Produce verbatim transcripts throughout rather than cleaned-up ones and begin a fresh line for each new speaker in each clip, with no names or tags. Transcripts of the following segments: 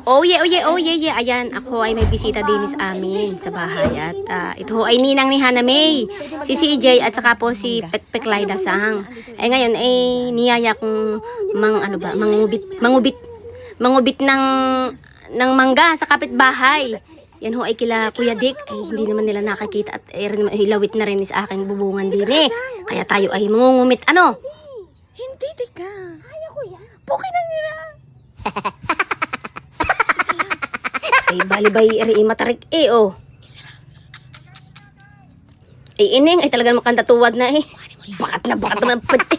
Oh yeah, oh yeah, oh yeah, yeah. Ayan, ako ay may bisita din sa amin sa bahay. At uh, ito ho ay ninang ni Hana May, si C J at saka po si Pekpek Laida Sang. Ay ngayon ay niyaya kong mang ano ba, mangubit, mangubit, mangubit ng ng mangga sa kapitbahay. Yan ho ay kila Kuya Dick. Ay hindi naman nila nakakita at ay, hilawit na rin sa aking bubungan din eh. Kaya tayo ay mangungumit ano.
Hindi, Dika.
Kaya ko yan.
Pukin na nila.
Ay, balibay, eri, matarik, eh, oh. Ay, ining, ay talaga makanta tuwad na, eh. Bakat na, bakat naman, pati.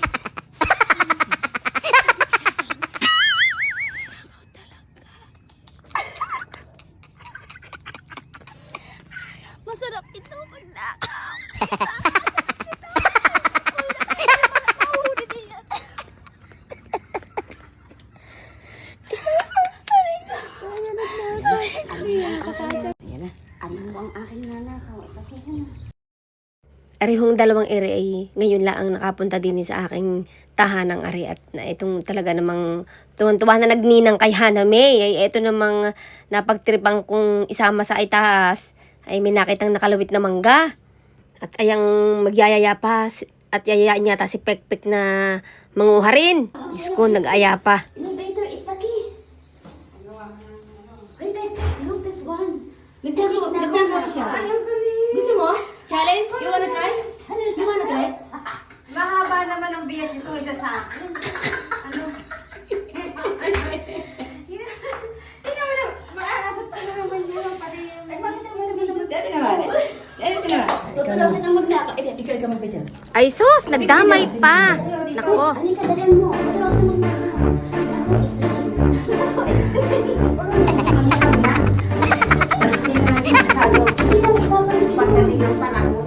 Masarap ito pag nakaw.
Ayan na.
Ano mo ang aking nanakaw? Pasensya na.
Arihong dalawang ere ay ngayon lang ang nakapunta din sa aking tahanang ari at na itong talaga namang tuwan-tuwa na nagninang kay Hana May ay ito namang napagtripang kong isama sa itaas ay may nakitang nakalawit na mangga at ayang magyayaya pa si- at yayayaan niya ta si Pekpek na manguha rin. Diyos ko, nag-aya pa.
Innovator is the key. Hey, babe, look this one.
Nagdako, nagdako siya.
Ayun kami.
Gusto mo? Challenge? You wanna try? You wanna try?
Mahaba naman ang bias nito isa sa akin. Ano? Tingnan mo na. Maabot pa naman yun. Pati yung... Ay, bakit naman naman?
Dati naman. Dati naman.
Tutulong kitang magnakaw. Eh,
Ikaw, ikaw magbidyo.
Ay sus, nagdamay pa. Nako.
ano ka dagan mo? Tutulong kitang magnakaw. Nako, isa. Nako, isa. Hindi lang ikaw pa rin.
Pagdating ng panahon.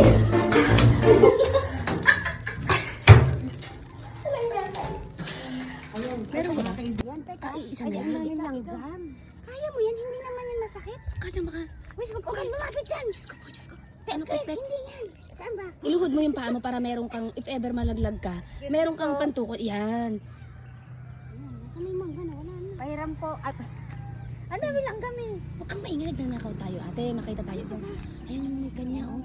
Meron ba kayo yan? Teka,
isa
ay,
na.
ang namin langgam. Kaya mo yan, hindi naman yan masakit.
Kaya baka.
Wait, wag okay, lumapit dyan. Diyos ko po, Diyos ko.
Ano,
Pek,
Pek?
hindi yan. Saan ba?
Iluhod mo yung paa mo para meron kang, if ever malaglag ka, meron kang pantukot. Yan.
Nasaan na yung mangga na? Wala na. Pahiram ko. Ay, ang dami langgam eh.
Huwag kang maingay, nagnanakaw tayo. Ate, makita tayo. Ayan yung may kanya, oh.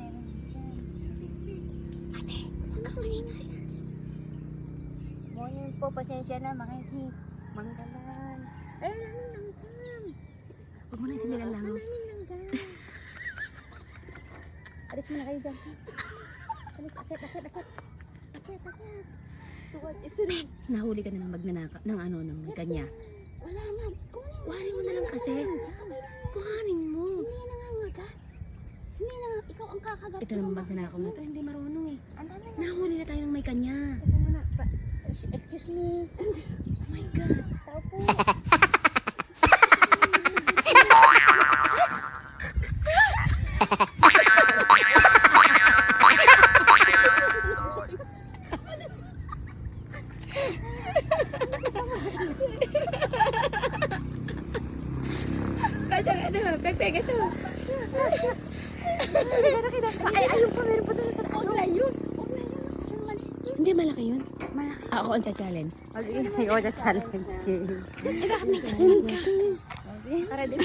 Ate, saan ka maingay? Morning po, pasensya na, makinig. Manggalan. Ay, ang daming langgam.
Huwag mo na hindi lang lang.
Ang daming langgam. Alis mo na kayo dyan. Alis, akit, akit, akit. Akit, akit. Tuwad, isa rin.
Nahuli ka na ng magnanakaw, ng ano, ng may kanya.
Wala na. Kunin mo.
Kuhanin mo na lang kasi. Kuhanin mo.
Hindi na nga ngagat. Hindi na nga. Ikaw ang kakagat.
Ito naman magnanakaw na to, hindi marunong eh.
Ang dami na.
Nahuli na tayo ng may kanya.
Teka muna. Pa- Excuse me.
Oh my God.
Tao po.
Kaya ano, pek-pek ito.
Ay, ayun pa. Meron pa doon sa taas. Huwag na yun. Huwag na yun. Masyadong maliit.
Hindi malaki yun.
Malaki.
Ako ang challenge.
Mag-iingay o na challenge game.
Eh, bakit may kasunod ka? Para din.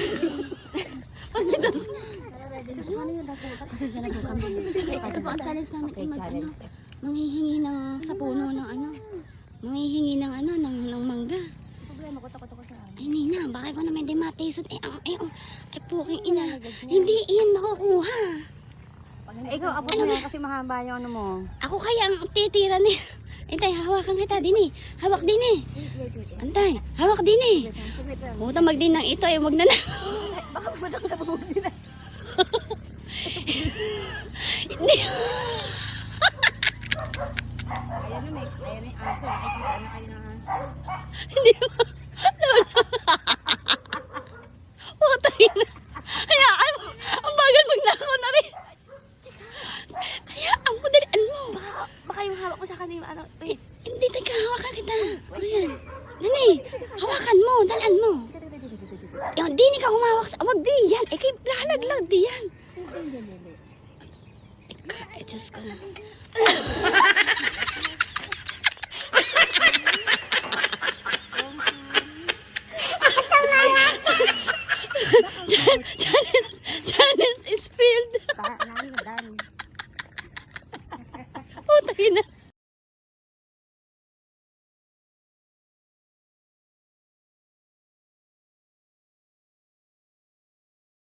Pasensya na po kami.
Ito po ang challenge namin. Ay, mag, ano, manghihingi ng sa puno ng ano. Manghihingi ng ano, ng, ng mangga.
Problema ko, takot ako sa akin.
Ay, Nina, baka ko naman di matisod. Ay, ang, ay, ang, ay, puking ina. Hindi iyan makukuha.
Eh, ikaw, abot mo yan kasi mahaba yung ano mo.
Ako kaya ang titira ni. Antay, hawakan kita din eh. Hawak din eh. Antay, hawak din eh. Puta magdin ng ito eh, wag na na.
Baka pumatak sa bubog nila.
Hindi.
Ayan na, may, ayan na yung aso. Nakikita na kayo ng aso.
Hindi mo. Lola. Puta ina. Hayaan mo. Ang bagal magnakaw na rin. Hayaan mo, dalian mo.
Baka yung hawak ko sa kanina, ano,
Eh, hindi, teka, hawakan kita. Ayan. Nani, hawakan mo, dalan mo. Yung, di ni ka humawak sa, wag di yan. Eh, kay lalaglag di yan. Eh, Diyos ko. Challenge, challenge is failed. Putang ina.